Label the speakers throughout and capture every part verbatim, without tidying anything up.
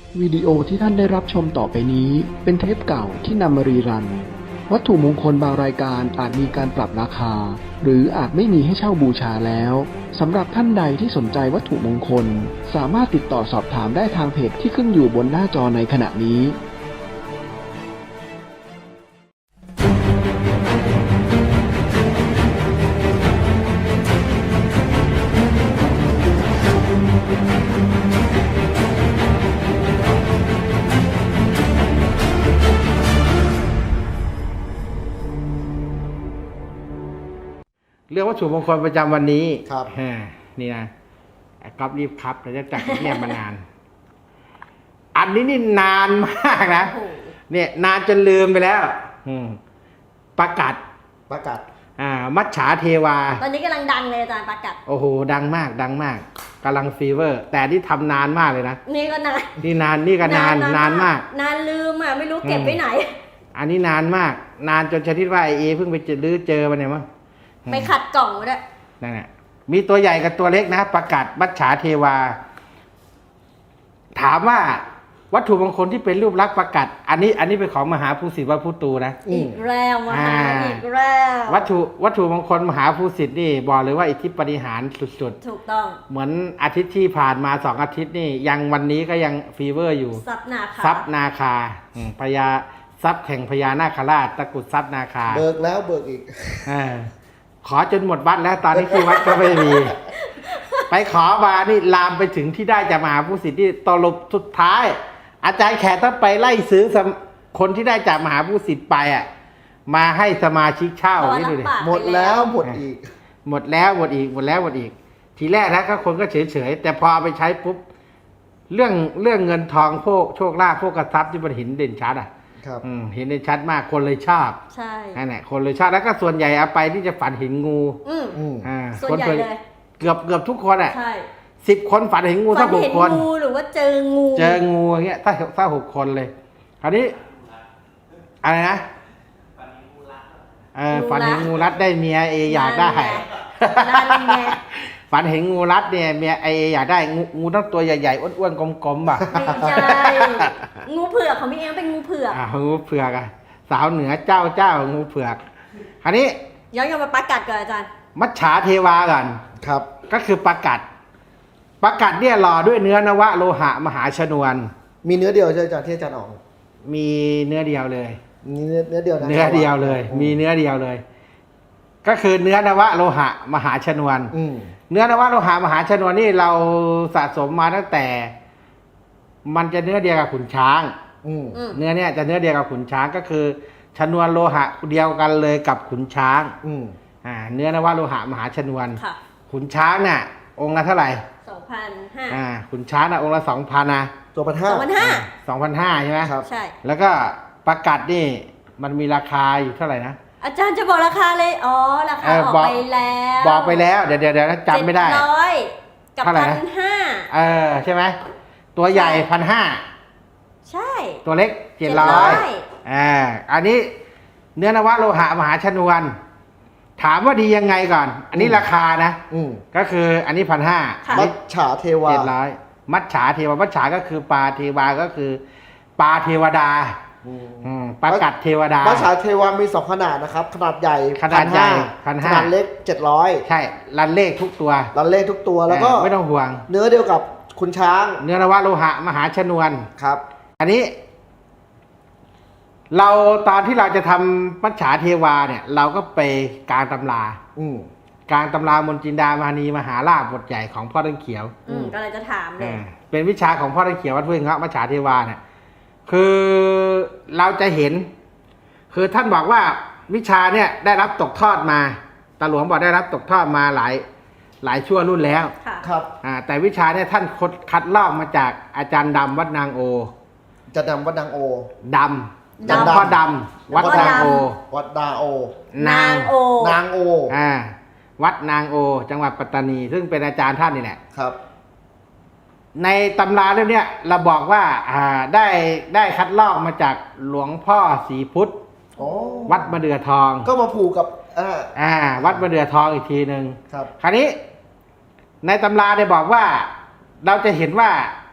Speaker 1: วิดีโอที่ท่านได้รับชมต่อไปนี้เป็นเทปเก่าที่นำมารีรัน วัตถุมงคลบางรายการอาจมีการปรับราคา หรืออาจไม่มีให้เช่าบูชาแล้วสำหรับท่านใดที่สนใจวัตถุมงคลสามารถติดต่อสอบถามได้ทางเพจที่ขึ้นอยู่บนหน้าจอในขณะนี้
Speaker 2: เรื่องวัตถุมงคลประจำวันนี้
Speaker 3: ครับ
Speaker 2: อ่านี่นะก๊อฟรีบครับเราจะจัดเงียบมานาน อันนี้นี่นานมากนะเนี่ยนานจนลืมไปแล้ว อืมประกาศ
Speaker 3: ประกาศ
Speaker 2: อ่า มัจฉาเทวา
Speaker 4: ตอนนี้กำลังดังเลยอาจารย์ประกัด
Speaker 2: โอ้โหดังมากดังมากกำลังฟีเวอร์ แต่ที่ทำนานมากเลยนะ
Speaker 4: นี่ก็นาน
Speaker 2: นี่นานนี่ก็นานนานมาก
Speaker 4: นานลืมอ่ะไม่รู้เก็บไปไหน
Speaker 2: อันนี้นานมาก นานจนชนิดว่าไอเอเพิ่งไปเจอลื้อเจอมาเนี่ยมั้ง
Speaker 4: ไปขัดกล่องไว้ด้วย
Speaker 2: นั่นแหละมีตัวใหญ่กับตัวเล็กนะประกาศมัจฉาเทวา ถามว่าวัตถุมงคลที่เป็นรูปลักษณ์ประกาศอันนี้ อันนี้เป็นของมหาภูสิทธิ์วัดพุตูนะ
Speaker 4: อีกแล้วมาหา
Speaker 2: อ่า
Speaker 4: อีกแล้ว
Speaker 2: วัตถุวัตถุมงคลมหาภูสิทธิ์นี่บอกเลยว่าอิทธิปฏิหารสุด
Speaker 4: ถูกต้อง
Speaker 2: ๆเหมือนอาทิตย์ที่ผ่านมาสองอาทิตย์นี่ยังวันนี้ก็ยังฟีเวอร์อยู่
Speaker 4: ซับนาคา
Speaker 2: ทรัพย์นาคาอืมพญาทรัพย์แห่งพญานาคราชตะกรุดทรัพย์นาคา
Speaker 3: เบิกแล้วเบิกอีก
Speaker 2: เออขอจนหมดวัดแล้วตอนนี้ที่วัดก็ไม่มี ไปขอมานี่ลามไปถึงที่ได้จากมหาภูสิทธิ์ที่ตลบสุดท้าย อาจารย์แขกต้องไปไล่ซื้อสมคนที่ได้จากมหาภูสิทธิ์ไปอ่ะมาให้สมาชิกเช่า
Speaker 4: ตอน
Speaker 2: นี่
Speaker 4: รับ
Speaker 2: ดูดิ
Speaker 4: ปาก
Speaker 3: หมดแล้วหมดอีก
Speaker 2: หมดแล้วหมดอีกหมดแล้วหมดอีก ทีแรกนะก็คนก็เฉยเฉยๆแต่พอเอาไปใช้ปุ๊บเรื่องเรื่องเงินทองพวกโชคลาภพวกกระทรัพย์ที่มันเห็นเด่นชัดอ่ะ
Speaker 3: ครับ
Speaker 2: อืมเห็นได้ชัดมากคนเลยชอบ
Speaker 4: ใช่
Speaker 2: นั่นแหละคนเลยชอบแล้วก็ส่วนใหญ่เอาไปที่จะฝันเห็นงู
Speaker 4: อืม
Speaker 3: อืม
Speaker 2: อ่า
Speaker 4: ส่วนใหญ่
Speaker 2: คน
Speaker 4: เลย
Speaker 2: เกือบเกือบทุกคนอ่ะ
Speaker 4: ใช่
Speaker 2: สิบคนฝันเห็นงู
Speaker 4: ฝั
Speaker 2: ถ้าน หก
Speaker 4: เห็น
Speaker 2: คน
Speaker 4: งูหรือว่าเจองู
Speaker 2: เจองูอย่างเงี้ยถ้าถ้าหกคนเลย คราวนี้อะไรนะเออฝันเห็นงูรัดได้เมียเออยากได้
Speaker 4: นั่นไง
Speaker 2: ฝันเห็นงูรัดเนี่ยเมียเออยากได้งูงูต้องตัวใหญ่ๆอ้วนๆกลมๆป่ะ
Speaker 4: ไม่ใช่งูเผือกของพี่เอ็มเป็นงูเผือก
Speaker 2: อ่างูเผือกอ่ะสาวเหนือเจ้าเจ้างูเผือกคราวนี้
Speaker 4: ย้อนกลับมาประกัดก่อนอาจารย์
Speaker 2: มัจฉาเทวาก่อน
Speaker 3: ครับ
Speaker 2: ก็คือประกัดประกัดเนี่ยหล่อด้วยเนื้อนวะโลหะมหาชนวน
Speaker 3: มีเนื้อเดียวใช่ไหมอาจารย์ที่อาจารย์ออก
Speaker 2: มีเนื้อเดียวเลย
Speaker 3: มีเนื้อเนื้อเดียวนะ
Speaker 2: เนื้อเดียวเลย มีเนื้อเดียวเลย ก็คือเนื้อนวะโลหะมหาชนวน
Speaker 3: อืม
Speaker 2: เนื้อนวะโลหะมหาชนวนนี่เราสะสมมาตั้งแต่ มันจะเนื้อเดียวกับขุนช้าง
Speaker 3: อืม
Speaker 4: อืม
Speaker 2: เนื้อเนี่ยจะเนื้อเดียวกับขุนช้างก็คือชนวนโลหะเดียวกันเลยกับขุนช้าง
Speaker 3: อืม
Speaker 2: อ่าเนื้อนวะโลหะมหาชนวน
Speaker 4: ค่ะ
Speaker 2: ขุนช้างน่ะองค์ละเท่าไหร่
Speaker 4: สองพันห้า
Speaker 2: อ่าขุนช้างน่ะองค์ละสองพันนะ
Speaker 3: ตัวพันห้า
Speaker 4: สองพันห้า
Speaker 2: สองพันห้าใช่ไหม
Speaker 3: ครับ
Speaker 4: ใช่
Speaker 2: แล้วก็ประกัดนี่มันมีราคาอยู่เท่าไหร่นะ
Speaker 4: อาจารย์จะบอกราคาเลย อ๋อ ราคา
Speaker 2: เออ
Speaker 4: ออก
Speaker 2: บอก
Speaker 4: ไปแล้ว
Speaker 2: บอกไปแล้วเดี๋ยวเดี๋ยวเดี๋ยวจำไม่ได้
Speaker 4: เจ็ร้อยกับ
Speaker 2: เท่าไหร่
Speaker 4: พั
Speaker 2: นะ
Speaker 4: นห้า
Speaker 2: เออใช่ไหมตัวใหญ่พันห้า
Speaker 4: ใช่
Speaker 2: ตัวเล็กเจ็ดร้อยอ่าอันนี้เนื้อนวะโลหะมหาชนวน ถามว่าดียังไงก่อน อันนี้ราคานะ
Speaker 3: อืม
Speaker 2: ก็คืออันนี้พันห้า
Speaker 3: มัจฉาเทวา
Speaker 2: เจ็ดร้อยมัจฉาเทวามัจฉาก็คือปลาเทวาก็คือปลาเทวดา
Speaker 3: อืม
Speaker 2: อืมประกัดเทวดา
Speaker 3: มัจฉาเทวามีสองขนาดนะครับ ขนาดใหญ่
Speaker 2: ขนาดใหญ่พัน
Speaker 3: ข
Speaker 2: ห้า
Speaker 3: นาดเล็กเจ็ดร้อย
Speaker 2: ใช่รันเลขทุกตัว
Speaker 3: รันเลขทุกตัวแล้วก็
Speaker 2: เออไม่ต้องห่วง
Speaker 3: เนื้อเดียวกับคุณช้าง
Speaker 2: เนื้อนวะโลหะมหาชนวน
Speaker 3: ครับ
Speaker 2: อันนี้ เราตอนที่เราจะทำมัจฉาเทวาเนี่ย เราก็ไปกลางตำรา
Speaker 3: อืม
Speaker 2: กลางตำรามนจินดามหานีมหาราชบทใหญ่ของพ่อต้นเขียว
Speaker 4: อืมก็เลยจะถามเลย
Speaker 2: อ่าเป็นวิชาของพ่อต้นเขียววัดห้วยเงาะมัจฉาเทวาเนี่ยคือเราจะเห็น คือท่านบอกว่าวิชาเนี่ยได้รับตกทอดมาตาหลวงบอกได้รับตกทอดมาหลายหลายชั่วรุ่นแล้ว
Speaker 4: ค่ะ
Speaker 3: ครับ
Speaker 2: อ่าแต่วิชาเนี่ยท่านคดคัดลอกมาจากอาจารย์ดำวัดนางโอ
Speaker 3: จะนำวัดนางโอ
Speaker 2: ด
Speaker 4: ดำ
Speaker 2: ำหลวงพ่อดำวัดนางโอ
Speaker 3: วัดดาโอ
Speaker 4: นางโอ
Speaker 3: นางโอ
Speaker 2: อ่าวัดนางโอ จังหวัดปัตตานี ซึ่งเป็นอาจารย์ท่านนี่แหละ
Speaker 3: ครับ
Speaker 2: ในตำราเล่มเนี้ยเราบอกว่าอ่าได้ได้คัดลอกมาจากหลวงพ่อศรีพุทธ
Speaker 3: โอ้
Speaker 2: วัดมะเดื่อทอง
Speaker 3: ก็มาผูกกับอ่า
Speaker 2: อ่าวัดมะเดื่อทองอีกทีหนึ่ง
Speaker 3: ครับ
Speaker 2: คราวนี้ในตำราได้บอกว่าเราจะเห็นว่า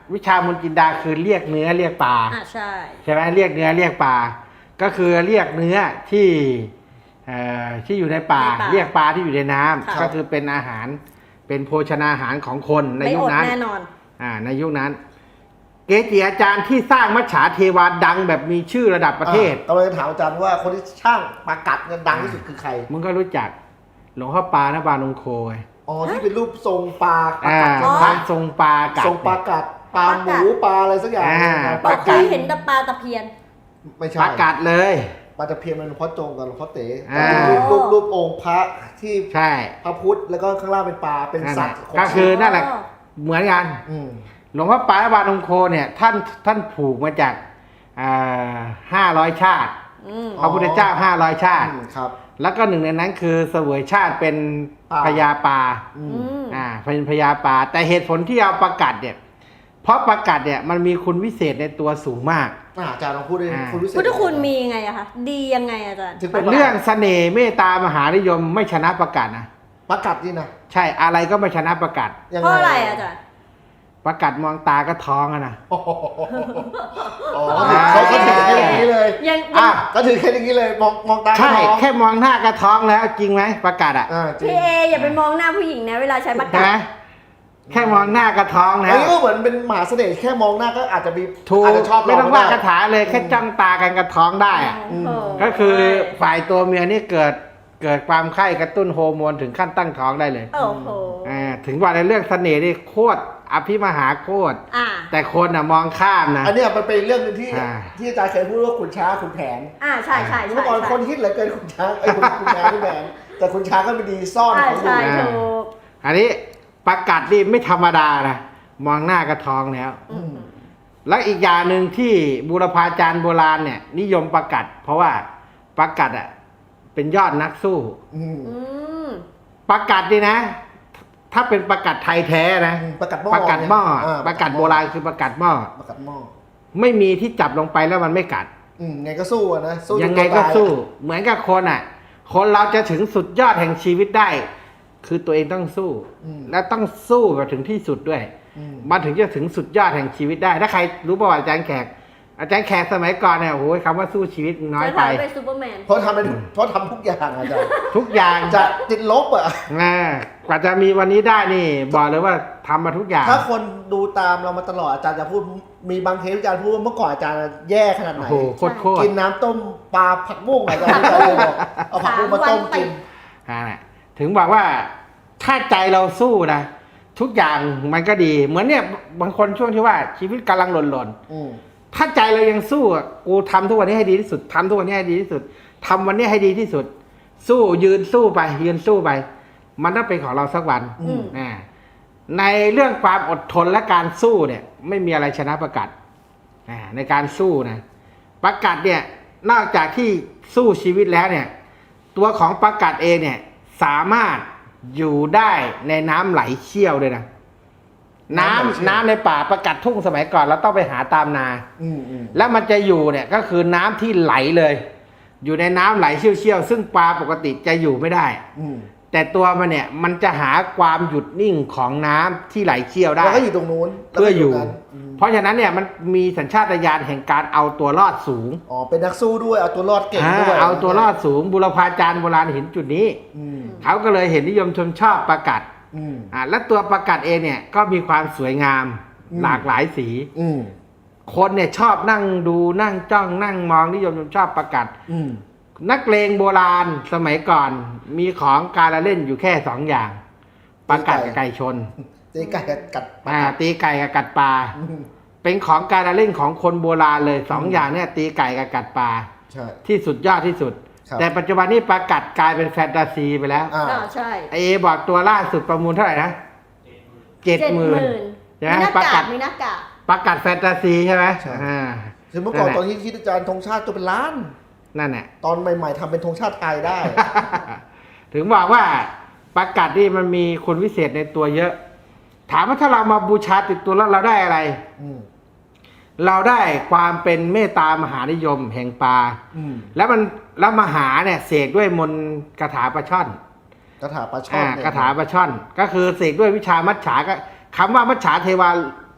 Speaker 2: วิชามนต์จินดาคือเรียกเนื้อเรียกปลา
Speaker 4: อ่าใช่
Speaker 2: ใช่ไหมเรียกเนื้อเรียกปลาก็คือเรียกเนื้อที่เอ่อที่อยู่ในป่า
Speaker 4: ในป่า
Speaker 2: เรียกปลาที่อยู่ในน้ำ
Speaker 4: ค่ะ
Speaker 2: ก็คือเป็นอาหารเป็นโภชนาอาหารของคนใน
Speaker 4: ไม่
Speaker 2: ยุ
Speaker 4: อ
Speaker 2: ค
Speaker 4: ด
Speaker 2: นั้น
Speaker 4: แน่นอน
Speaker 2: อ่าในยุคนั้น เกจิอาจารย์ที่สร้างมัจฉาเทวาดังแบบมีชื่อระดับประเทศ
Speaker 3: อ่ากำลังจะถามอาจารย์ว่าคนที่ช่างปลากัดเนี่ยดังที่สุดคือใคร
Speaker 2: มึงก็รู้จักหลวงพ่อปานะบาลงโคไง
Speaker 3: อ๋อที่เป็นรูปทรงปลาปลา
Speaker 2: อ่า
Speaker 3: กัดใช่ไห
Speaker 2: พ
Speaker 3: ม
Speaker 2: ระทรงปลากัด
Speaker 3: ทรงปลากัดปลาหมูปลาอะไรสักอย่าง
Speaker 2: อ่า
Speaker 3: ปลา
Speaker 4: เราเค
Speaker 3: กัด
Speaker 4: ยเห็นแต่ปลาตะเพียน
Speaker 3: ไม่ใช่
Speaker 2: ปลากัดเลย
Speaker 3: ปลาตะเพียนมันหลวงพ่อโจงกับหลวงพ่อเต๋
Speaker 2: อ่า
Speaker 3: รูปรูปรูปองค์พระที่
Speaker 2: ใช่
Speaker 3: พระพุทธแล้วก็ข้างล่างเป็นปลาเป็น
Speaker 2: นั่น
Speaker 3: สั
Speaker 2: แห
Speaker 3: ต
Speaker 2: ละ
Speaker 3: ว์
Speaker 2: ก็คือนั่นแหละ
Speaker 4: อ๋อ
Speaker 2: เหมือนกัน
Speaker 3: อืม
Speaker 2: หลวงพ่อปานะบาลงโคเนี่ยท่านท่านผูกมาจากห้าร้อยชาติ
Speaker 4: อืม
Speaker 2: พระพุทธเจ้าห้าร้อยชาติ
Speaker 3: อืมครับ
Speaker 2: แล้วก็หนึ่งในนั้นคือเสวยชาติเป็น
Speaker 3: ปลา
Speaker 2: พญาปลา
Speaker 3: อื
Speaker 4: อื
Speaker 3: ม
Speaker 4: ม
Speaker 2: อ่าเป็นพญาปลาแต่เหตุผลที่เอาประกัดเนี่ยเพราะประกัดเนี่ยมันมีคุณวิเศษในตัวสูงมาก
Speaker 3: อ่าอาจารย์ลองพูดดิ
Speaker 2: อ่า
Speaker 3: คุณวิเศษ
Speaker 4: พุทธคุณมียังไงอะคะ ดียังไงอาจารย์
Speaker 3: ถึงเป็น
Speaker 2: เรื่องเสน่ห์เมตตามหานิยมไม่ชนะประกัดนะ
Speaker 3: ปลากัดนี่นะ
Speaker 2: ใช่อะไรก็ไม่ชนะประกัด
Speaker 3: ยัง
Speaker 4: เพ
Speaker 3: ไง
Speaker 4: ราะอะไรอาจารย์
Speaker 2: ประกัดมองตาก็ท้องอะนะ
Speaker 3: โอ้โหอ๋อเขาเขาถือแค่อย่างนี้เลย
Speaker 4: ยัง
Speaker 2: อ่ะ
Speaker 3: ก็ถือแค่อย่างนี้เลยมองมองตา
Speaker 2: ใช่
Speaker 3: ก็มอง
Speaker 2: แค่มองหน้าก็ท้องแล้วจริงไหมประกัดอ่ะ
Speaker 3: อ่าจริง
Speaker 4: พี่เออย่าไปมองหน้าผู้หญิงนะเวลาใช้ปาก
Speaker 2: ใช่
Speaker 4: กา
Speaker 2: ไหมแค่มองหน้าก็ท้องแล้
Speaker 3: อัน
Speaker 2: ว
Speaker 3: นี้ก็เหมือนเป็นมหาเสน่ห์แค่มองหน้าก็อาจจะมี
Speaker 2: ถูก
Speaker 3: อาจจะชอบ
Speaker 2: ไม่ต้อง
Speaker 3: เร
Speaker 2: ว่า
Speaker 3: ก็
Speaker 2: คาถาเลยแค่จ้องตากันก็ท้องได้อะ
Speaker 4: โอ้โห
Speaker 2: ก็คือฝ่ายตัวเมียนี่เกิดเกิดความไข้กระตุ้นโฮอร์โมนถึงขั้นตั้งท้องได้เลย
Speaker 4: โอ้โห
Speaker 2: อ่าถึงว่าในเรื่องเสน่ห์นี่โคตรอภิมหาโคตร
Speaker 4: อ่า
Speaker 2: แต่คนอ่ะมองข้ามนะ
Speaker 3: อันเนี้ยมันเป็นเรื่องหนึงที่
Speaker 2: อ่า
Speaker 3: ที่อาจารย์เคยพูดว่าขุนช้างขุนแผน
Speaker 4: อ่าใช่ใช่
Speaker 3: เมื่
Speaker 4: ใช่
Speaker 3: อก่อน
Speaker 4: ใช่
Speaker 3: คนฮิตเหลือเกินขุนช้างไอ้ยขุนขุนช้างขุนแผนแต่ขุนช้างก็ไม่ดีซ่อน
Speaker 4: อ่า
Speaker 3: ของอยู่
Speaker 4: ใช่ถูก
Speaker 2: อันนี้ประกัดนี่ไม่ธรรมดานะมองหน้าก็ท้องแล้ว
Speaker 3: อืม
Speaker 2: แล้วอีกอย่างหนึ่งที่บูรพาจารย์โบราณเนี่ย นิยมประกัด เพราะว่าประกัดอ่ะเป็นยอดนักสู้
Speaker 3: อืม
Speaker 4: อืม
Speaker 2: ประกัดนี่นะ ถ้าเป็นประกัดไทยแท้นะ
Speaker 3: อืมประกัดหม้อ
Speaker 2: ประกัดหม้อ
Speaker 3: เนี่ย
Speaker 2: ประกัดโบราณคือประกัดหม้อ
Speaker 3: ประกัดหม้อ
Speaker 2: ไม่มีที่จับลงไปแล้วมันไม่กัด
Speaker 3: อืมไงก็สู้อะนะสู้จน
Speaker 2: ยังไงก็
Speaker 3: ตา
Speaker 2: สู้ เหมือนกับคนอ่ะ คนเราจะถึงสุดยอดแห่งชีวิตได้ คือตัวเองต้องสู้
Speaker 3: อืม
Speaker 2: และต้องสู้ไปถึงที่สุดด้วย
Speaker 3: อืม
Speaker 2: มันถึงจะถึงสุดยอดแห่งชีวิตได้ ถ้าใครรู้ประวัติอาจารย์แขก อาจารย์แขกสมัยก่อนเนี่ยโอ้โหคำว่าสู้ชีวิตน้อย
Speaker 4: จะ
Speaker 2: ไป
Speaker 4: ทำเป็นซูเปอร์แมน
Speaker 3: เพราะทำเป็นเพราะทำทุกอย่างอาจารย์
Speaker 2: ทุกอย่าง
Speaker 3: จะติดลบอ่ะ
Speaker 2: อ่ากว่าจะมีวันนี้ได้นี่ บอกเลยว่าทำมาทุกอย่าง
Speaker 3: ถ้าคนดูตามเรามาตลอดอาจารย์จะพูดมีบางเทปอาจารย์พูดว่าเมื่อก่อนอาจารย์แย่ขนาดไห
Speaker 2: โอ้
Speaker 3: น
Speaker 2: โหโคตรโคตร
Speaker 3: กินน้ำต้มปลาผักบุ้งอาจารย์ที่อาจารย์เลยบอกเอาผักบุ้งมาต้มกิน
Speaker 2: อ่าน่ะถึงบอกว่าถ้าใจเราสู้นะ ทุกอย่างมันก็ดี เหมือนเนี่ยบางคนช่วงที่ว่าชีวิตกำลังหล่น
Speaker 3: อืม
Speaker 2: ๆถ้าใจเรายังสู้อ่ะกูทำทุกวันนี้ให้ดีที่สุดทำทุกวันนี้ให้ดีที่สุดทำวันนี้ให้ดีที่สุด สู้ยืนสู้ไป ยืนสู้ไป มันต้องเป็นของเราสักวัน
Speaker 3: อืม
Speaker 2: อ่าในเรื่องความอดทนและการสู้เนี่ย ไม่มีอะไรชนะประกัดอ่าในการสู้นะประกัดเนี่ย นอกจากที่สู้ชีวิตแล้วเนี่ย ตัวของประกัดเองเนี่ย สามารถอยู่ได้ในน้ำไหลเชี่ยวด้วยนะน้ำน้ำในป่าประกัดทุ่งสมัยก่อนเราต้องไปหาตามนา
Speaker 3: อืมอืม
Speaker 2: แล้วมันจะอยู่เนี่ยก็คือน้ำที่ไหลเลย อยู่ในน้ำไหลเชี่ยวๆซึ่งปลาปกติจะอยู่ไม่ได้
Speaker 3: อืม
Speaker 2: แต่ตัวมันเนี่ยมันจะหาความหยุดนิ่งของน้ำที่ไหลเชี่ยวได้
Speaker 3: แล้วก็อยู่ตรงนู้น
Speaker 2: เพื่ออยู่
Speaker 3: แล้วก็ตรงนั้นอืม
Speaker 2: เพราะฉะนั้นเนี่ยมันมีสัญชาตญาณแห่งการเอาตัวรอดสูง
Speaker 3: อ๋อเป็นนักสู้ด้วยเอาตัวรอดเก่ง
Speaker 2: อ่า
Speaker 3: ด้วย
Speaker 2: เอาตัวรอดสูงบุรพาจารย์โบราณเห็นจุดนี้
Speaker 3: อืม
Speaker 2: เขาก็เลยเห็นนิยมชมชอบประกัด
Speaker 3: อืม
Speaker 2: อ่าและตัวประกัดเองเนี่ยก็มีความสวยงาม
Speaker 3: อืม
Speaker 2: หลากหลายสี
Speaker 3: อืม
Speaker 2: คนเนี่ยชอบนั่งดูนั่งจ้องนั่งมองนิยมชมชอบประกัด
Speaker 3: อืม
Speaker 2: นักเลงโบราณสมัยก่อนมีของการละเล่นอยู่แค่สองอย่างประกัดกับไก่ชน
Speaker 3: ตีไก่กับกัดปลา
Speaker 2: อ่า
Speaker 3: กัด
Speaker 2: ตีไก่กับกัดปลา
Speaker 3: อืม
Speaker 2: เป็นของการละเล่นของคนโบราณเลยสอง
Speaker 3: อืม
Speaker 2: อย่างเนี่ยตีไก่กับกัดปลา
Speaker 3: ใช่
Speaker 2: ที่สุดยอดที่สุด
Speaker 3: ครับ
Speaker 2: แต่ปัจจุบันนี้ประกัดกลายเป็นแฟนตาซีไปแล้ว
Speaker 3: อ่า
Speaker 4: อ่าใช่
Speaker 2: ไอเอบอกตัวล่าสุดประมูลเท่าไหร่นะเจ็ดหมื่น ใช่ไหม
Speaker 4: มีหน้า
Speaker 2: ประ
Speaker 4: กา
Speaker 2: กั
Speaker 4: ก
Speaker 2: ด
Speaker 4: มีหน้ากาก
Speaker 2: ประกัดแฟนตาซีใช่ไหม
Speaker 3: ใช่
Speaker 2: อ่า
Speaker 3: คือเมื่อก่อน
Speaker 2: นั่นแหละ
Speaker 3: ตอนที่คิดอาจารย์ธงชาติตัวเป็นล้าน
Speaker 2: นั่นแหละ
Speaker 3: ตอนใหม่ๆทำเป็นธงชาติไทยได้
Speaker 2: ถึงบอกว่าประกัดนี่มันมีคุณวิเศษในตัวเยอะ ถามว่าถ้าเรามาบูชาติดตัวแล้วเราได้อะไร
Speaker 3: อืม
Speaker 2: เราได้ความเป็นเมตตามหานิยมแห่งปลา
Speaker 3: อืม
Speaker 2: แล้วมันแล้วมหาเนี่ยเสกด้วยมนต์คาถาปลาช่อน
Speaker 3: กระถาปลาช่อ
Speaker 2: อ่าน
Speaker 3: เนี่ย
Speaker 2: คาถาปลาช่อน ก็คือเสกด้วยวิชามัจฉาก็คำว่ามัจฉาเทวาโภ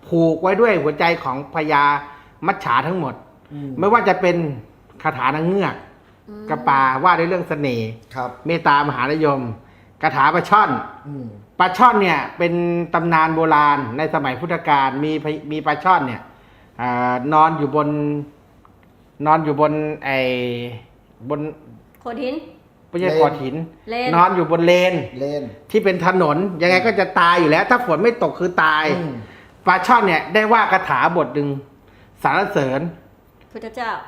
Speaker 2: ผูกไว้ด้วยหัวใจของพญามัจฉาทั้งหมด
Speaker 3: อืม
Speaker 2: ไม่ว่าจะเป็นคาถานางเงือก
Speaker 4: อืม
Speaker 2: กระปาว่าด้วยเรื่องเสน่ห์
Speaker 3: ครับ
Speaker 2: เมตตามหานิยมคาถาปลาช่อน
Speaker 3: อืม
Speaker 2: ปลาช่อนเนี่ยเป็นตำนานโบราณในสมัยพุทธกาลมีพมีปลาช่อนเนี่ยอานอนอยู่บน นอนอยู่บนไอ้บน
Speaker 4: โคดิน
Speaker 2: ไม่ใช่
Speaker 3: เลน
Speaker 2: ขอดหิน
Speaker 4: เลน
Speaker 2: นอนอยู่บนเลน
Speaker 3: เลน
Speaker 2: ที่เป็นถนนยังไงก็จะตายอยู่แล้ว ถ้าฝนไม่ตกคือตาย
Speaker 3: อืม
Speaker 2: ปลาช่อนเนี่ยได้ว่าคาถาบทหนึ่งสรรเสริญ
Speaker 4: พุทธเจ้าก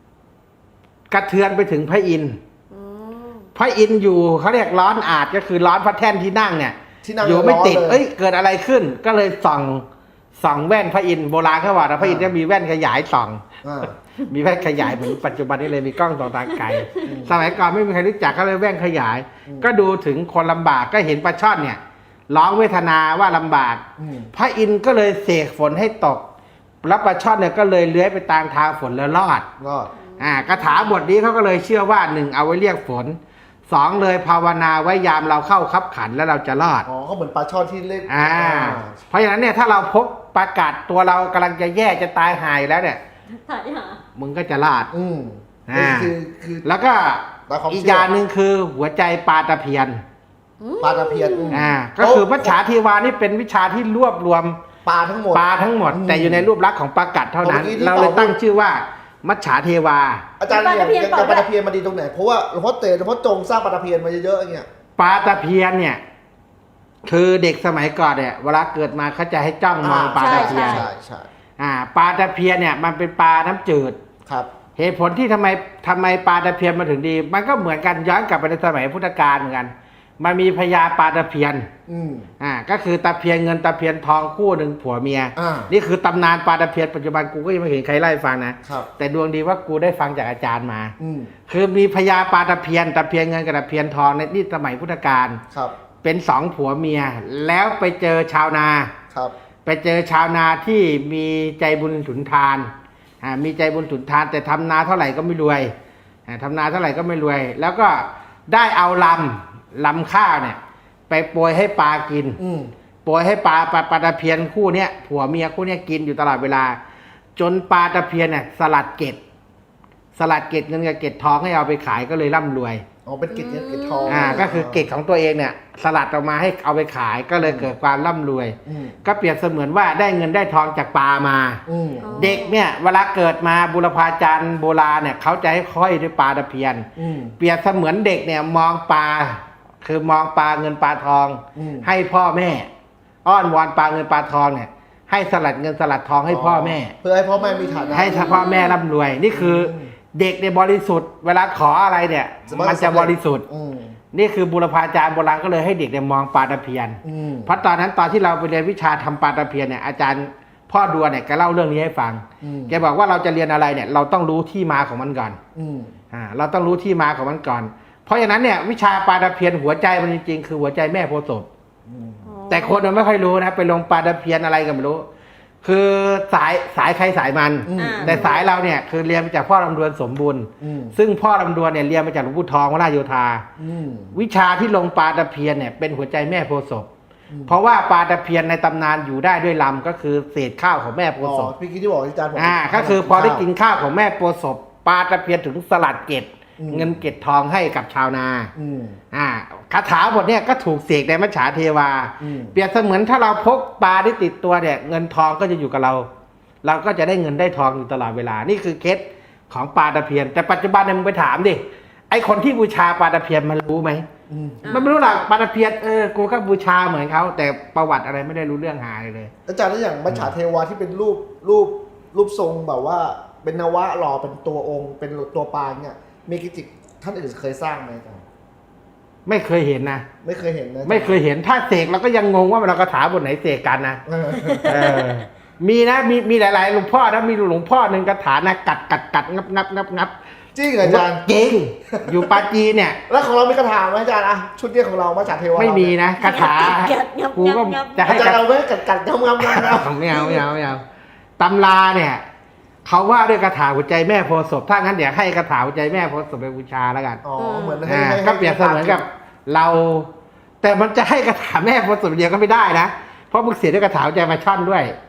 Speaker 2: ระเทือนไปถึงพระอินทร์
Speaker 4: อืม
Speaker 2: พระอินทร์อยู่เขาเรียกร้อนอาจก็คือร้อนพระแท่นที่นั่งเนี่ย
Speaker 3: ที่นั่ง
Speaker 2: อยู่ไม่ติด
Speaker 3: ร้อนเลย
Speaker 2: เอ้ยเกิดอะไรขึ้น ก็เลยส่องส่องแว่นพระอินทร์โบราณเขาว่านะพระอินทร์จะมีแว่นขยายส่อง
Speaker 3: อ่า
Speaker 2: มีแว่นขยายเหมือนปัจจุบันนี้เลยมีกล้องส่องทางไกลสมัยก่อนไม่มีใครรู้จักก็เลยแว่นขยาย ก็ดูถึงคนลำบากก็เห็นปลาช่อนเนี่ยร้องเวทนาว่าลำบาก
Speaker 3: อืม
Speaker 2: พระอินทร์ก็เลยเสกฝนให้ตกแล้วปลาช่อนเนี่ยก็เลยเลื้อยไปตามทางฝนแล้วรอด
Speaker 3: รอด
Speaker 2: อ่าคาถาบทนี้เขาก็เลยเชื่อว่าหนึ่งเอาไว้เรียกฝนสองเลยภาวนาไว้ยามเราเข้าคับขันแล้วเราจะรอด
Speaker 3: อ๋อก็เหมือนปลาช่อนที่เล่น
Speaker 2: อ่า เพราะฉะนั้นเนี่ยถ้าเราพบประกาศตัวเรากำลังจะแย่จะตายหายแล้วเนี่ย
Speaker 4: ถ่ายหา
Speaker 2: มึงก็จะรอด
Speaker 3: อืม
Speaker 2: อ่า
Speaker 3: คือคือ
Speaker 2: แล้วก็
Speaker 3: ตามความเชื่ออี
Speaker 2: อีกอย่างหนึ่งคือหัวใจปลาตะเพียน
Speaker 3: ปลาตะเพียนม
Speaker 2: อ่าก็คือมัจฉาเทวานี่เป็นวิชาที่รวบรวม
Speaker 3: ปลาทั้งหมด
Speaker 2: ปลาทั้งหมด
Speaker 3: อืม
Speaker 2: แต่อยู่ในรูปลักษณ์ของปลากัดเท่านั้น
Speaker 3: เมื่อกี้ที่
Speaker 2: เราเลย
Speaker 3: ตอบ
Speaker 2: ตั้งชื่อว่ามัจฉาเทวา
Speaker 3: อาจารย์
Speaker 4: ปลา
Speaker 3: เนี่ย
Speaker 4: ตะเพียน
Speaker 3: อย่าง
Speaker 4: ตอบ
Speaker 3: ปลา
Speaker 4: ได้
Speaker 3: ตะเพียนมาดีตรงไหน เพราะว่าหลวงพ่อเต๋หลวงพ่อจงสร้างปลาตะเพียนมาเยอะๆอย่างเงี้ย
Speaker 2: ปลาตะเพียนเนี่ย คือเด็กสมัยก่อนเนี่ยเวลาเกิดมาเขาจะให้จ้องมองปลาตะเพียน
Speaker 3: ใช่ใช่
Speaker 2: อ่าปลาตะเพียนเนี่ยมันเป็นปลาน้ำจืด
Speaker 3: ครับ
Speaker 2: เหตุผลที่ทำไมทำไมปลาตะเพียนมาถึงดี มันก็เหมือนกันย้อนกลับไปในสมัยพุทธกาลเหมือนกัน มันมีพญาปลาตะเพียน
Speaker 3: อืม
Speaker 2: อ่าก็คือตะเพียนเงินตะเพียนทองคู่หนึ่งผัวเมีย
Speaker 3: อ่า
Speaker 2: นี่คือตำนานปลาตะเพียนปัจจุบันกูก็ยังไม่เห็นใครไล่าให้ฟังนะครับ แต่ดวงดีว่ากูได้ฟังจากอาจารย์มา
Speaker 3: อืม
Speaker 2: คือมีพญาปลาตะเพียนตะเพียนเงินกับตะเพียนทองในนี่สมัยพุทธกาล
Speaker 3: ครับ
Speaker 2: เป็นสองผัวเมีย แล้วไปเจอชาวนา
Speaker 3: ครับ
Speaker 2: ไปเจอชาวนาที่มีใจบุญสุนทานอ่ามีใจบุญสุนทาน แต่ทำนาเท่าไหร่ก็ไม่รวยอ่าทำนาเท่าไหร่ก็ไม่รวย แล้วก็ได้เอาลำลำข้าวเนี่ย ไปโปรยให้ปลากิน
Speaker 3: อืม
Speaker 2: โปรยให้ปลาปลาปลาตะเพียนคู่เนี้ยผัวเมียคู่เนี้ยกินอยู่ตลอดเวลา จนปลาตะเพียนเนี่ยสลัดเกล็ดสลัดเกล็ดเงินกับเกล็ดทองให้เอาไปขายก็เลยร่ำรวย
Speaker 3: อ๋อเป็นกิจเงินกิจทอง
Speaker 2: อ่าก็คือเกล็ดของตัวเองเนี่ยสลัดออกมาให้เอาไปขายก็เลยเกิดความร่ำรวย
Speaker 3: อืม
Speaker 2: ก็เปรียบเสมือนว่าได้เงินได้ทองจากปลามา
Speaker 3: อืม
Speaker 2: เด็กเนี่ยเวลาเกิดมาบุรพาจารย์โบราณเนี่ยเขาจะให้ค่อยด้วยปลาตะเพียน
Speaker 3: อืม
Speaker 2: เปรียบเสมือนเด็กเนี่ยมองปลาคือมองปลาเงินปลาทอง
Speaker 3: อืม
Speaker 2: ให้พ่อแม่ อ้อนวอนปลาเงินปลาทองเนี่ยให้สลัดเงินสลัดทองให้พ่อแม่
Speaker 3: เพื่อให้พ่อแม่มีฐานะ
Speaker 2: ให้พ่อแม่ร่ำรวย นี่คืออ
Speaker 3: ม
Speaker 2: เด็กในยบริสุทธิ์ เวลาขออะไรเนี่ย มันจะบริสุทธิ์
Speaker 3: อืม
Speaker 2: นี่คือบุรพาจารย์โบราณก็เลยให้เด็กเนี่ยมองปลาตะเพียน
Speaker 3: อืม
Speaker 2: เพราะตอนนั้นตอนที่เราไปเรียนวิชาทำปลาตะเพียนเนี่ยอาจารย์พ่อดัวเนี่ยแกเล่าเรื่องนี้ให้ฟัง
Speaker 3: อืม
Speaker 2: แกบอกว่าเราจะเรียนอะไรเนี่ย เราต้องรู้ที่มาของมันก่อน
Speaker 3: อืม
Speaker 2: อ่าเราต้องรู้ที่มาของมันก่อน เพราะฉะนั้นเนี่ยวิชาปลาตะเพียนหัวใจมันจริงๆคือหัวใจแม่โพธิ์ศพ
Speaker 3: อืม
Speaker 2: แต่คนมันไม่ค่อยรู้นะไปลงปลาตะเพียนอะไรก็ไม่รู้ คือสายสายใครสายมัน
Speaker 3: อืม
Speaker 2: แต่สายเราเนี่ยคือเรียนมาจากพ่อลำดวนสมบูรณ์
Speaker 3: อืม
Speaker 2: ซึ่งพ่อลำดวนเนี่ยเรียนมาจากหลวงปู่ทองวราชโยธา
Speaker 3: อืม
Speaker 2: วิชาที่ลงปลาตะเพียนเนี่ยเป็นหัวใจแม่โพธิ์ศพ
Speaker 3: อืม
Speaker 2: เพราะว่าปลาตะเพียนในตำนานอยู่ได้ด้วยลำก็คือเศษข้าวของแม่โพ
Speaker 3: อ๋
Speaker 2: ธิ์ศ
Speaker 3: อ
Speaker 2: พ
Speaker 3: พี่กี้ที่บอกอาจารย์บอก
Speaker 2: อ่าก็คือพอได้กินข้าวของแม่โพธิ์ศพปลาตะเพียนถึงสลัดเกล็ด
Speaker 3: อืม
Speaker 2: เงินเกล็ดทองให้กับชาวนา
Speaker 3: อืม
Speaker 2: อ่าคาถาบทเนี่ยก็ถูกเสกในมัจฉาเทวา
Speaker 3: อืม
Speaker 2: เปรียบเสมือนถ้าเราพกปลาที่ติดตัวเนี่ยเงินทองก็จะอยู่กับเรา เราก็จะได้เงินได้ทองอยู่ตลอดเวลานี่คือเคล็ดของปลาตะเพียน แต่ปัจจุบันเนี่ยมึงไปถามดิไอคนที่บูชาปลาตะเพียนมันรู้ไหม
Speaker 3: อืม
Speaker 2: มันไม่รู้หรอกปลาตะเพียนเออกูก็บูชาเหมือนเขาแต่ประวัติอะไรไม่ได้รู้เรื่องหาเลยเลย
Speaker 3: อาจารย์แล้วอย่างมัจฉาเทวาที่เป็นรูปรูปรูปทรงแบบว่า เป็นนวะหล่อเป็นตัวองค์ เป็นตัวปางเนี่ยมีกิจิท่านอื่นเคยสร้างไหมอาจารย์
Speaker 2: ไม่เคยเห็นนะ
Speaker 3: ไม่เคยเห็นนะ
Speaker 2: ไม่เคยเห็นถ้าเสกเราก็ยังงงว่าเราคาถาบทไหนเสกกันนะ
Speaker 3: เออ
Speaker 2: เออมีนะมีมีหลายๆหลวงพ่อนะมีหลวงพ่อหนึ่งคาถานะกัดกัดกัดงับงับงับงับ
Speaker 3: จริงเหรออาจารย์
Speaker 2: จริงอยู่ปาจีนเนี่ย
Speaker 3: แล้วของเรามีคาถาไหมอาจารย์อะชุดเนี้ยของเรามัจฉาเทวา
Speaker 2: ไม่มีนะคาถา
Speaker 4: งับงับ
Speaker 2: กูก็
Speaker 4: งับ
Speaker 2: จะให้
Speaker 3: อาจาร
Speaker 2: กั
Speaker 3: ย์
Speaker 2: ด
Speaker 3: เอาไว้กัดกัดงำงำงำงำ
Speaker 2: ไม่เอาไม่เอาไม่เอาตำราเนี่ยเขาว่าด้วยคาถาหัวใจแม่โพธิ์ศพถ้างั้นเดี๋ยวให้คาถาหัวใจแม่โพธิ์ศพไปบูชาแล้วกัน
Speaker 3: อ๋อเหมือนให้
Speaker 2: อ่า
Speaker 3: ให้
Speaker 2: ก็เปรียบเสมือนกับเรา แต่มันจะให้คาถาแม่โพธิ์ศพเดียวก็ไม่ได้นะเพราะมึงเสียด้วยคาถาหัวใจมาช่อนด้วย
Speaker 3: อื้อหือ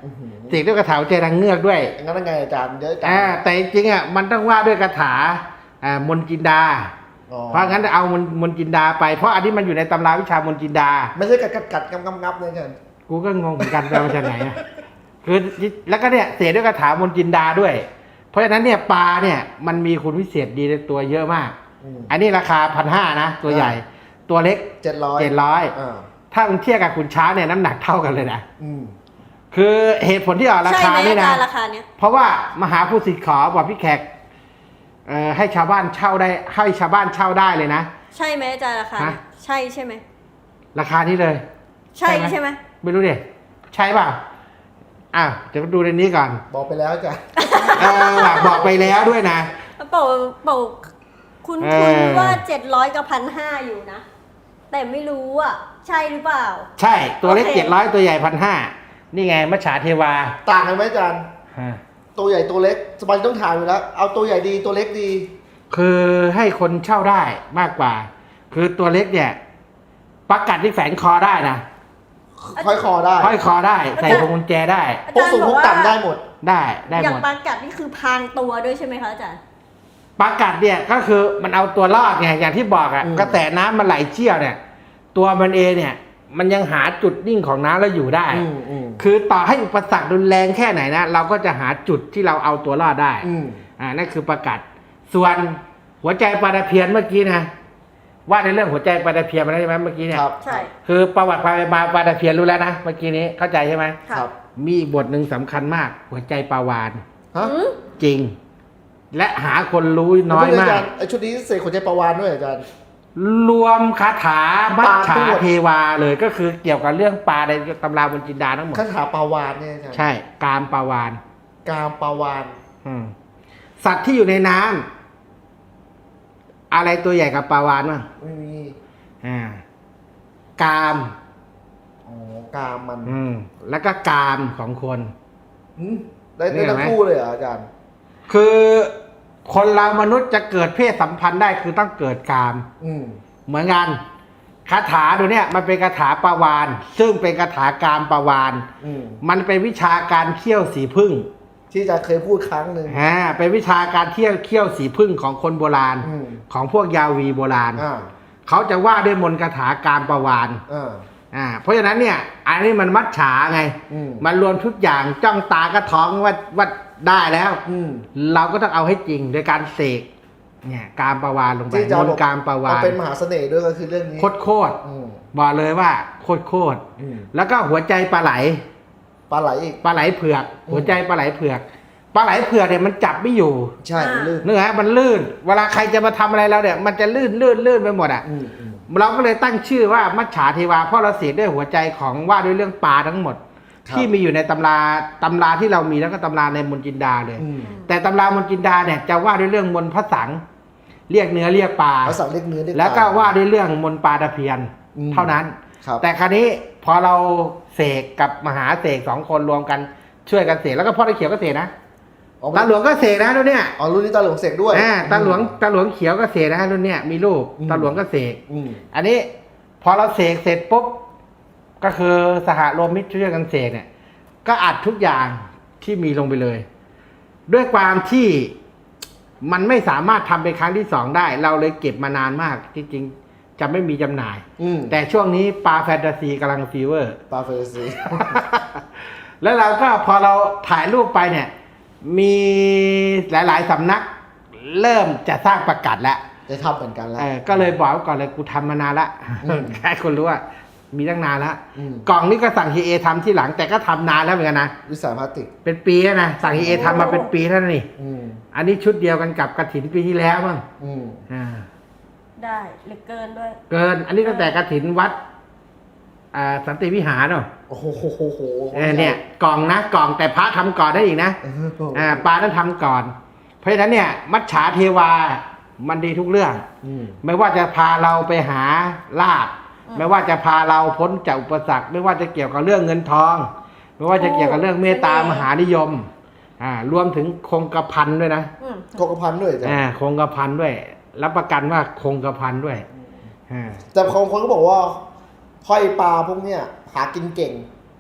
Speaker 2: เสกด้วยคาถาหัวใจนางเงือกด้วย
Speaker 3: งั้นยังไงอาจารย์เดี๋ยวอาจาร
Speaker 2: อ่า
Speaker 3: ย์
Speaker 2: แต่จริงๆอ่ะมันต้องว่าด้วยคาถาอ่ามนต์จินดา
Speaker 3: อ๋อ
Speaker 2: เพราะงั้นเอามนต์มนต์จินดาไปเพราะอันนี้มันอยู่ในตำราวิชามนต์จินดา
Speaker 3: ไม่ใช่กัดกัดกัดงับงับงับเลยอาจารย์
Speaker 2: กูก็งงเหมือนกันไปมาจากไหนอ่ะคือแล้วก็เนี่ยเสกด้วยคาถามนต์จินดาด้วย เพราะฉะนั้นเนี่ยปลาเนี่ยมันมีคุณวิเศษดีในตัวเยอะมาก
Speaker 3: อืม
Speaker 2: อันนี้ราคาพันห้านะตัวใหญ่ ตัวเล็ก
Speaker 3: เจ็ดร้อย
Speaker 2: เจ็ดร้อย
Speaker 3: อ่า
Speaker 2: ถ้ามึงเทียบกับคุณช้างเนี่ยน้ำหนักเท่ากันเลยนะ
Speaker 3: อืม
Speaker 2: คือเหตุผลที่ออกรา
Speaker 4: ใช่
Speaker 2: คา
Speaker 4: ไหม
Speaker 2: นี่
Speaker 4: อา
Speaker 2: นะ
Speaker 4: จารย์ราคาเนี้ย
Speaker 2: เพราะว่ามหาผู้สิทธิ์ขอบอกพี่แขกเอ่อให้ชาวบ้านเช่าได้ให้ชาวบ้านเช่าได้เลยนะ
Speaker 4: ใช่ไหมอาจารย์ราคาเนี้ย
Speaker 2: ฮะ
Speaker 4: ใช่ใช่ไหม
Speaker 2: ราคานี้เลย
Speaker 4: ใช่ใช่ไหม
Speaker 2: ไม่รู้ดิใช่เปล่าอ้าวเดี๋ยวดูในนี้ก่อน
Speaker 3: บอกไปแล้วอาจารย์
Speaker 2: เออว่ะบอกไปแล้วด้วยนะ
Speaker 4: เป่าเป่าคุณ
Speaker 2: เอ
Speaker 4: คุณ
Speaker 2: อ
Speaker 4: ว่าเจ็ดร้อยกับพันห้าอยู่นะ แต่ไม่รู้อ่ะ ใช่หรือเปล่า
Speaker 2: ใช่ตัวเล็ก
Speaker 4: โอเค
Speaker 2: เจ็ดร้อยตัวใหญ่พันห้านี่ไงมัจฉาเทวา
Speaker 3: ต่างกันไหมอาจารย์
Speaker 2: ฮะ
Speaker 3: ตัวใหญ่ตัวเล็กสบายต้องถามอยู่แล้ว เอาตัวใหญ่ดีตัวเล็กดี
Speaker 2: คือให้คนเช่าได้มากกว่า คือตัวเล็กเนี่ยประกัดที่แฝงคอได้นะ
Speaker 3: ค่อยคอได้
Speaker 2: ห้อยคอได้ใส่พวงกุญแจได้
Speaker 4: อา
Speaker 3: พก
Speaker 4: จารย์
Speaker 3: สูง
Speaker 4: บ
Speaker 3: พ
Speaker 4: อก
Speaker 3: ก
Speaker 4: ว่า
Speaker 3: ต่ำได้หมด
Speaker 2: ได้ได้
Speaker 4: อย่า
Speaker 2: ห
Speaker 4: ง
Speaker 2: มด
Speaker 4: ปลากัดนี่คือพรางตัวด้วยใช่ไหมคะอาจารย์
Speaker 2: ประกัดเนี่ยก็คือมันเอาตัวรอดไงอย่างที่บอกอะ
Speaker 3: อืม
Speaker 2: กระแสน้ำมันไหลเชี่ยวเนี่ย ตัวมันเองเนี่ย มันยังหาจุดนิ่งของน้ำแล้วอยู่ได้
Speaker 3: อืมอืม
Speaker 2: คือต่อให้อุปสรรครุนแรงแค่ไหนนะเราก็จะหาจุดที่เราเอาตัวรอดได้
Speaker 3: อืม
Speaker 2: อ่านั่นคือประกัดส่วนหัวใจปลาตะเพียนเมื่อกี้นะว่าในเรื่องหัวใจปลาตะเพียนมาแล้วใช่ไหมเมื่อกี้เนี่ย
Speaker 3: ครับ
Speaker 4: ใช่
Speaker 2: คือประวัติความเป็นมาปลาตะเพียนรู้แล้วนะเมื่อกี้นี้เข้าใจใช่ไหม
Speaker 4: ค่ะ
Speaker 3: ครับ
Speaker 2: มีอีกบทหนึ่งสำคัญมาก หัวใจปลาวาน
Speaker 3: ฮะ
Speaker 4: อืม
Speaker 2: จริง และหาคนรู้น้อย
Speaker 3: แล้ว
Speaker 2: มา
Speaker 3: อาก จารย์ไอชุดนี้เสกหัวใจปลาวานด้วยอาจารย์
Speaker 2: รวมคาถามัจฉา
Speaker 3: ปลาทั้งหมด
Speaker 2: เทวาเลยก็คือเกี่ยวกับเรื่องปลาในตำราบนจินดาทั้งหมด
Speaker 3: คาถาปลาวานเนี่ยอาจารย์
Speaker 2: ใช่ กามปลาวาน
Speaker 3: กามปลาวาน
Speaker 2: อืมสัตว์ที่อยู่ในน้ำอะไรตัวใหญ่กับปลาวานบ้าง
Speaker 3: ไม่มี
Speaker 2: อ่ากาม
Speaker 3: อ๋อกามมัน
Speaker 2: อืมแล้วก็กามของคน
Speaker 3: หืมได้
Speaker 2: นี่
Speaker 3: ได้
Speaker 2: เห็นไหม
Speaker 3: ทั้งคู่เลยเหรออาจารย์
Speaker 2: คือคนเรามนุษย์จะเกิดเพศสัมพันธ์ได้คือต้องเกิดกาม
Speaker 3: อืม
Speaker 2: เหมือนกันคาถาตัวเนี้ยมันเป็นคาถาปลาวาน ซึ่งเป็นคาถากามปลาวาน
Speaker 3: อืม
Speaker 2: มันเป็นวิชาการเคี่ยวสีพึ่ง
Speaker 3: ที่อาจารย์เคยพูดครั้งหนึ่ง
Speaker 2: อ่าเป็นวิชาการเที่ยวเคี่ยวสีพึ่งของคนโบราณ
Speaker 3: อืม
Speaker 2: ของพวกยาวีโบราณ
Speaker 3: อ่า
Speaker 2: เขาจะว่าด้วยมนต์คาถากามปลาวาน
Speaker 3: อ่า
Speaker 2: อ่าเพราะฉะนั้นเนี่ย อันนี้มันมัดฉาไง
Speaker 3: อืม
Speaker 2: มันรวมทุกอย่างจ้องตากระท้องว่าว่าได้แล้ว
Speaker 3: อืม
Speaker 2: เราก็ต้องเอาให้จริงโดยการเสกเนี่ยกามปลาวานลงไป
Speaker 3: ที่อาจาร
Speaker 2: ม
Speaker 3: ย์
Speaker 2: น
Speaker 3: บอก
Speaker 2: ต์กามปลาวา
Speaker 3: เอา
Speaker 2: น
Speaker 3: เป็นมหาเสน่ห์ด้วยก็คือเรื่องนี้
Speaker 2: โคตรโคตร
Speaker 3: อืม
Speaker 2: บอกเลยว่าโคตรโคตร
Speaker 3: อืม
Speaker 2: แล้วก็หัวใจปลาไหล
Speaker 3: ปลาไหลอีก
Speaker 2: ปลาไหลเผือก
Speaker 3: อืม
Speaker 2: หัวใจปลาไหลเผือกปลาไหลเผือกเนี่ยมันจับไม่อยู่
Speaker 3: ใช่มันลื่น
Speaker 2: เนื้อมันลื่น เวลาใครจะมาทำอะไรเราเนี่ยมันจะลื่นลื่นลื่นไปหมดอ่ะ
Speaker 3: อืมอืม
Speaker 2: เราก็เลยตั้งชื่อว่ามัจฉาเทวาเพราะเราเสกด้วยหัวใจของว่าด้วยเรื่องปลาทั้งหมด
Speaker 3: ครับ
Speaker 2: ที่มีอยู่ในตำราตำราที่เรามีแล้วก็ตำราในมนต์จินดาเลย
Speaker 3: อืม
Speaker 2: แต่ตำรามนต์จินดาเนี่ยจะว่าด้วยเรื่องมนต์พระสังเรียกเนื้อเรียกปลา
Speaker 3: ภาษาเรียกเนื้อเรียก
Speaker 2: แล้วก็
Speaker 3: ปล
Speaker 2: ว่าด้วยเรื่องมนต์ปลาตะเพียน
Speaker 3: อืม
Speaker 2: เท่านั้น
Speaker 3: ครับ
Speaker 2: แต่คราวนี้พอเราเสกกับมหาเสกสองคนรวมกันช่วยกันเสกแล้วก็พ่อตะเขียวก็เสกนะ
Speaker 3: อ๋อ
Speaker 2: ตาหลวงก็เสกนะรุ่นเนี้ย
Speaker 3: อ๋อรุ่นนี้ตาหลวงเสกด้วย
Speaker 2: อ่าตาหลวงตาหลวงเขียวก็เสกนะรุ่นเนี้ยมีลูก
Speaker 3: อืม
Speaker 2: ตาหลวงก็เสก
Speaker 3: อืม
Speaker 2: อันนี้พอเราเสกเสร็จปุ๊บก็คือสหโลมิตรช่วยกันเสกเนี่ย ก็อัดทุกอย่างที่มีลงไปเลย ด้วยความที่มันไม่สามารถทำเป็นครั้งที่สองได้ เราเลยเก็บมานานมากจริงๆจะไม่มีจำหน่าย
Speaker 3: อืม
Speaker 2: แต่ช่วงนี้ปลาแฟนตาซีกำลังฟีเวอร์
Speaker 3: ปลาเฟรซี
Speaker 2: แล้วเราก็พอเราถ่ายรูปไปเนี่ย มีหลายๆสำนักเริ่มจะสร้างประกาศแล้ว
Speaker 3: จะทำเหมือนกันแล้ว
Speaker 2: เออก็เลยบอกไว้ก่อนเลยกูทำมานานละ
Speaker 3: อืม
Speaker 2: แค่คนรู้ว่ามีตั้งนานแล้ว
Speaker 3: อืม
Speaker 2: กล่องนี้ก็สั่งฮีเอทำที่หลังแต่ก็ทำนานแล้วเหมือนกันนะ
Speaker 3: วิสาพลาสติก
Speaker 2: เป็นปีแล้วนะสั่งฮีเอทำมาเป็นปีแล้วนี่
Speaker 3: อืม
Speaker 2: อันนี้ชุดเดียวกันกับกระถินปีที่แล้วมั้ง
Speaker 3: อืม
Speaker 2: อ่า
Speaker 4: ได้เหลือเกินด้วย
Speaker 2: เกิน อันนี้ตั้งแต่กระถินวัดอ่าสันติวิหารเนาะ
Speaker 3: โอ้โหโหโหโห
Speaker 2: เออเนี่ยกล่องนะกล่องแต่พระทำก่อนได้อีกนะ
Speaker 3: เออ
Speaker 2: อ่าปลาต้องทำก่อน เพราะฉะนั้นเนี่ย มัจฉาเทวามันดีทุกเรื่อง
Speaker 3: อืม
Speaker 2: ไม่ว่าจะพาเราไปหาลาภ
Speaker 4: อืม
Speaker 2: ไม่ว่าจะพาเราพ้นจากอุปสรรค ไม่ว่าจะเกี่ยวกับเรื่องเงินทอง ไม่ว่าจะเกี่ยวกับเรื่องเมตตามหานิยม อ่ารวมถึงคงกระพันด้วยนะ
Speaker 4: อืม
Speaker 3: โคกพันด้วยจ้ะ
Speaker 2: อ่าคงกระพันด้วย รับประกันว่าคงกระพันด้วยอ่า
Speaker 3: แต่บางคนก็บอกว่าห้อยปลาพวกเนี้ยหากินเก่ง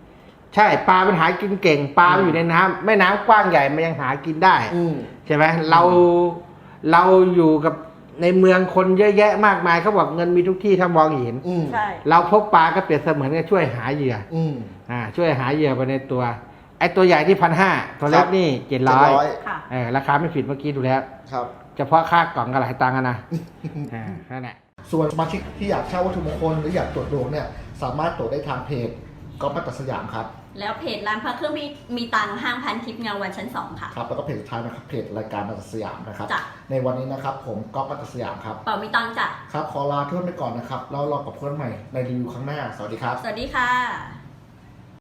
Speaker 2: ใช่ปลามันหากินเก่งปลามันอยู่ในน้ำแม่น้ำกว้างใหญ่มันยังหากินได้
Speaker 3: อืม
Speaker 2: ใช่ไหมเราเราอยู่กับในเมืองคนเยอะแยะมากมายเขาบอกเงินมีทุกที่ถ้ามองเห็น
Speaker 3: อืม
Speaker 4: ใช่
Speaker 2: เราพกปลาก็เปรียบเสมือนกับช่วยหาเหยื่อ
Speaker 3: อืม
Speaker 2: อ่าช่วยหาเหยื่อไปในตัวไอ้ตัวใหญ่ที่พันห้าตัวเล็กนี่เจ็ดร้อย
Speaker 4: ค่ะ
Speaker 2: เออราคาไม่ผิดเมื่อกี้ดูแล้ว
Speaker 3: ครับ
Speaker 2: เฉพาะค่ากล่องก็หลายตังค์อะนะอ่านั่นแหละ
Speaker 3: ส่วนสมาชิกที่อยากเช่าวัตถุมงคลหรืออยากตรวจดวงเนี่ยสามารถตรวจได้ทางเพจก๊อฟมัตตสยามครับ
Speaker 4: แล้วเพจร้านพระเครื่องมีมีตังค์ห้างพันทิพย์เงาวันชั้นสองค่ะ
Speaker 3: ครับแล้วก็เพจสุดท้ายนะครับเพจรายการมัตตสยามนะครับ
Speaker 4: จ้ะ
Speaker 3: ในวันนี้นะครับผมก๊อฟมัตตสยามครับ
Speaker 4: เป่ามีตังค์จ้ะ
Speaker 3: ครับขอลาเพื่อนไปก่อนนะครับแล้วรอกับเพื่อนใหม่ในรีวิวครั้งหน้าสวัสดีครับ
Speaker 4: สวัสดีค่ะ